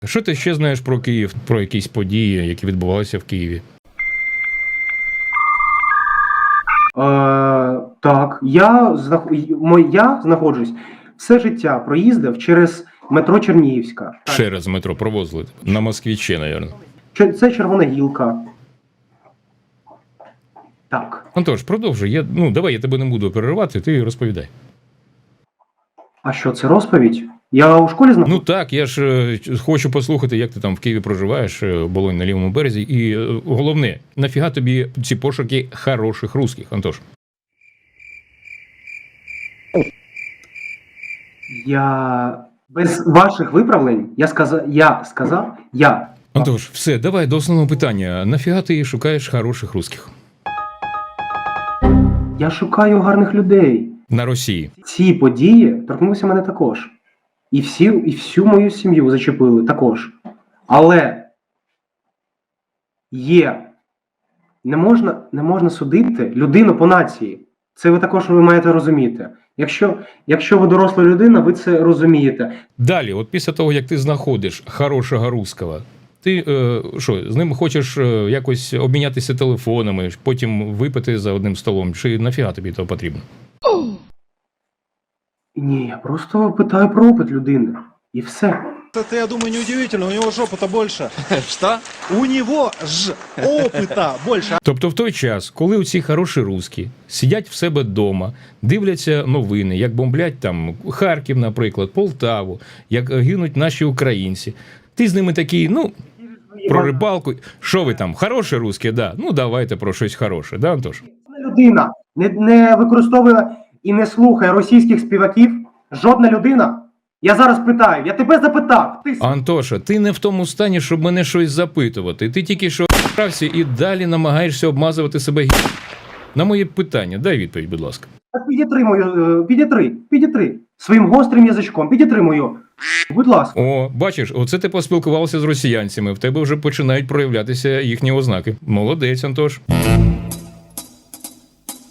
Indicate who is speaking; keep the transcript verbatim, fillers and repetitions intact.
Speaker 1: Що ти ще знаєш про Київ, про якісь події, які відбувалися в Києві?
Speaker 2: Е, так, я, знах... мо- я знаходжусь все життя проїздив через метро Чернігівська.
Speaker 1: Через метро провозили. На Москвіче, мабуть.
Speaker 2: Че- Це Червона Гілка. Так.
Speaker 1: Антош, продовжуй. Я, ну, давай, я тебе не буду переривати, ти розповідай.
Speaker 2: А що, це розповідь? Я у школі знаходжусь?
Speaker 1: Ну так, я ж е, хочу послухати, як ти там в Києві проживаєш, е, Болонь на лівому березі. І е, головне, нафіга тобі ці пошуки хороших русських, Антош?
Speaker 2: Я без ваших виправлень, я сказав, я сказав, я.
Speaker 1: Антош, все, давай до основного питання. Нафіга ти шукаєш хороших русських?
Speaker 2: Я шукаю гарних людей.
Speaker 1: На Росії.
Speaker 2: Ці події торкнулися мене також. І всі, і всю мою сім'ю зачепили також. Але є. Не можна, не можна судити людину по нації. Це ви також ви маєте розуміти. Якщо, якщо ви доросла людина, ви це розумієте.
Speaker 1: Далі, от після того, як ти знаходиш хорошого русского, ти е, що, з ним хочеш е, якось обмінятися телефонами, потім випити за одним столом, чи нафіга тобі того потрібно?
Speaker 2: Ні, я просто питаю про опит людини. І все.
Speaker 3: Это, я думаю, неудивительно, у него жопа-то больше.
Speaker 4: Что?
Speaker 3: У него ж опыта больше.
Speaker 1: Тобто в той час, коли оці хороші русські сидять в себе вдома, дивляться новини, як бомблять там Харків, наприклад, Полтаву, як гинуть наші українці, ти з ними такий, ну, про рибалку. Що ви там, хороші русські, да? Ну, давайте про щось хороше, да, Антош?
Speaker 2: Людина не, не використовує і не слухає російських співаків. Жодна людина. Я зараз питаю, я тебе запитав. Ти...
Speaker 1: Антоша, ти не в тому стані, щоб мене щось запитувати. Ти тільки що ***рався і далі намагаєшся обмазувати себе гі***. На моє питання, дай відповідь, будь ласка.
Speaker 2: Так підітри мою, е, підітри, підітри. Своїм гострим язичком, підітри мою. Будь ласка.
Speaker 1: О, бачиш, оце ти поспілкувався з росіянцями, в тебе вже починають проявлятися їхні ознаки. Молодець, Антош.